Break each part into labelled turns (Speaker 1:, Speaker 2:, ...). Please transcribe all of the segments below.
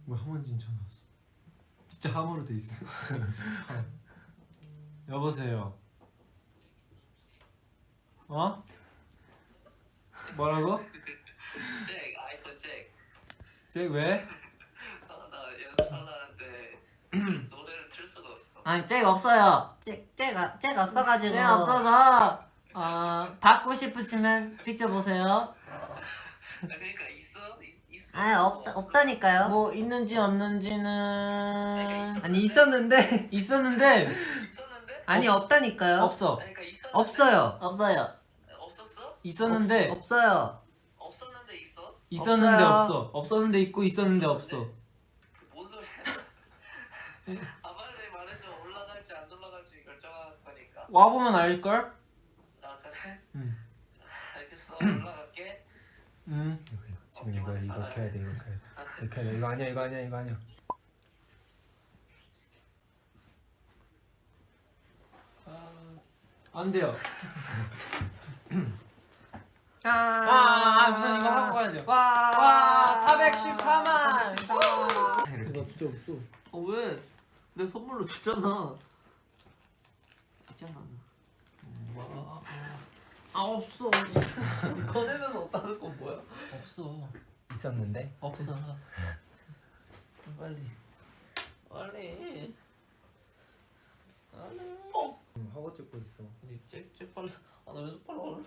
Speaker 1: 뭐야 함원진 전화 왔어. 진짜 함으로 돼 있어. 여보세요. 어? 뭐라고?
Speaker 2: 잭 아이폰 잭.
Speaker 1: 잭 왜?
Speaker 2: 나 연습하려는데 노래를 틀 수가 없어.
Speaker 3: 아니 잭 없어요.
Speaker 4: 잭 없어가지고.
Speaker 3: 잭 없어서 받고 싶으시면 직접 오세요.
Speaker 2: 그러니까 있어?
Speaker 4: 아 없다니까요.
Speaker 3: 뭐 있는지 없는지는
Speaker 4: 아니 있었는데
Speaker 2: 있었는데?
Speaker 4: 아니 없다니까요.
Speaker 1: 없어.
Speaker 2: 그러니까 있었는데?
Speaker 4: 없어요.
Speaker 3: 없어요.
Speaker 2: 없었어?
Speaker 1: 있었는데
Speaker 4: 없어요.
Speaker 2: 없었는데 있어?
Speaker 1: 있었는데
Speaker 4: 없어요.
Speaker 1: 없어. 없었는데 있고 있었는데 없어.
Speaker 2: 뭔 소리야? 아 빨리 말해줘. 올라갈지 안 올라갈지 결정할 거니까.
Speaker 1: 와 보면 알 걸?
Speaker 2: 아 그래?
Speaker 1: 응.
Speaker 2: 알겠어. 올라갈게.
Speaker 1: 응.
Speaker 5: 지금 이거 켜야 돼. 이거 켜야 돼. 이거 아니야. 이거 아니야.
Speaker 1: 안 돼요.
Speaker 4: 아,
Speaker 1: 우선 이거 하고 가야 돼요.
Speaker 4: 와
Speaker 1: 414만.
Speaker 4: 나
Speaker 1: 진짜 없어.
Speaker 2: 왜? 내 선물로 줬잖아.
Speaker 4: 있잖아.
Speaker 1: 없어.
Speaker 2: 꺼내면서 없다는 건 뭐야?
Speaker 1: 없어.
Speaker 5: 있었는데.
Speaker 1: 없어.
Speaker 2: 빨리.
Speaker 5: 허거 찍고 있어.
Speaker 2: 잭 빨리. 나 왼손 빨리 올래.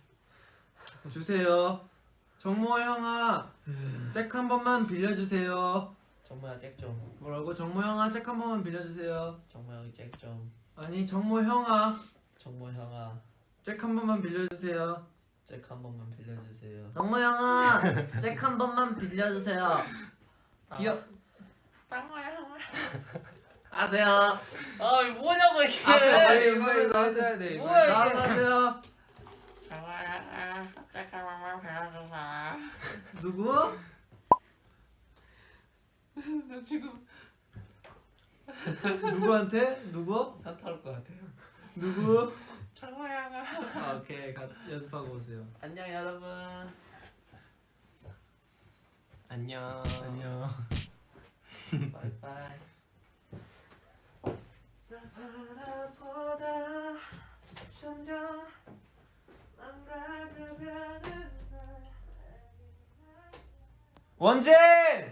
Speaker 1: 주세요. 정모 형아, 잭 한 번만 빌려주세요.
Speaker 2: 정모야 잭 좀.
Speaker 1: 뭐라고? 정모 형아, 잭 한 번만 빌려주세요.
Speaker 2: 정모 형이 잭 좀.
Speaker 1: 아니 정모 형아,
Speaker 2: 정모 형아
Speaker 1: 잭 한 번만 빌려주세요.
Speaker 2: 잭 한 번만 빌려주세요.
Speaker 3: 정모 형아 잭 한 번만 빌려주세요.
Speaker 1: 기억.
Speaker 3: 아세요?
Speaker 2: 아 이거 뭐냐고 이게.
Speaker 1: 빨리
Speaker 5: 이거
Speaker 1: 빨리
Speaker 5: 나왔어야 돼. 이거.
Speaker 2: 뭐야, 이게.
Speaker 1: 나가세요. 누구?
Speaker 2: 나 지금
Speaker 1: 누구한테? 누구?
Speaker 2: 현타 올것 같아요.
Speaker 1: 누구?
Speaker 2: 정모 형아.
Speaker 1: 아, 오케이. 연습하고 오세요.
Speaker 2: 안녕 여러분.
Speaker 5: 안녕.
Speaker 1: 안녕.
Speaker 2: 바이바이.
Speaker 4: 날 바라보다 점점 망가져가는 날.
Speaker 1: 원진!